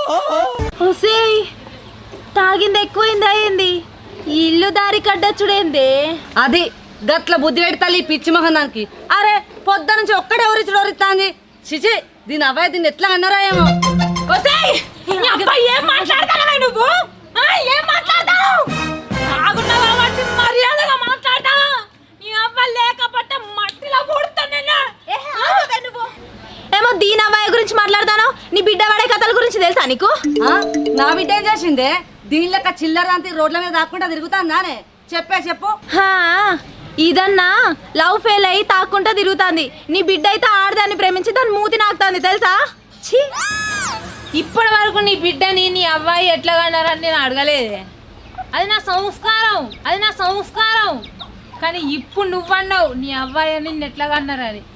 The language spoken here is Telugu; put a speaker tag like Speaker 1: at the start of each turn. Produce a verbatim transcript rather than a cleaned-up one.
Speaker 1: ఒసేయ్ తాగింది ఎక్కువైంది అయింది ఇల్లు దారి కడ్డచ్చుడేంది
Speaker 2: అది గట్ల బుద్ధి పెడతాలి పిచ్చి మొహం దానికి. అరే పొద్దు నుంచి ఒక్కడే ఎవరిచ్చుడు ఎవరిస్తాంది చిచి దీని అబ్బాయి దీన్ని ఎట్లా అన్నారా ఏమో.
Speaker 1: ఒసేయ్ నీ అబ్బాయి ఏం మాట్లాడతానవే నువ్వు ఆ ఏం మాట్లాడతావు ఆగున్నావా వాటి మర్యాదగా మాట్లాడతా నీ అబ్బాయి లేకపోతే మట్టిలో పూడుతా నేను నువ్వు ఏమో దీని అబ్బాయి గురించి మాట్లాడతాను నీ బిడ్డ వాడే కథల గురించి తెలుసా నీకు
Speaker 2: నా బిడ్డ ఏం చేసిందే దీని లెక్క చిల్లర అంతే రోడ్ల మీద దాక్కుంటా తిరుగుతాందానే చెప్పే చెప్పు.
Speaker 1: ఇదన్నా లవ్ ఫెయిల్ అయ్యి తాక్కుంటా తిరుగుతాంది నీ బిడ్డ అయితే ఆడదాన్ని ప్రేమించి దాన్ని మూతి నాకుతాంది తెలుసా.
Speaker 3: ఇప్పటి వరకు నీ బిడ్డని నీ అబ్బాయి ఎట్లా కన్నారని నేను అడగలేదే. అది నా సంస్కారం అది నా సంస్కారం కానీ ఇప్పుడు నువ్వన్నావు నీ అబ్బాయి అని ఎట్లా కన్నారని.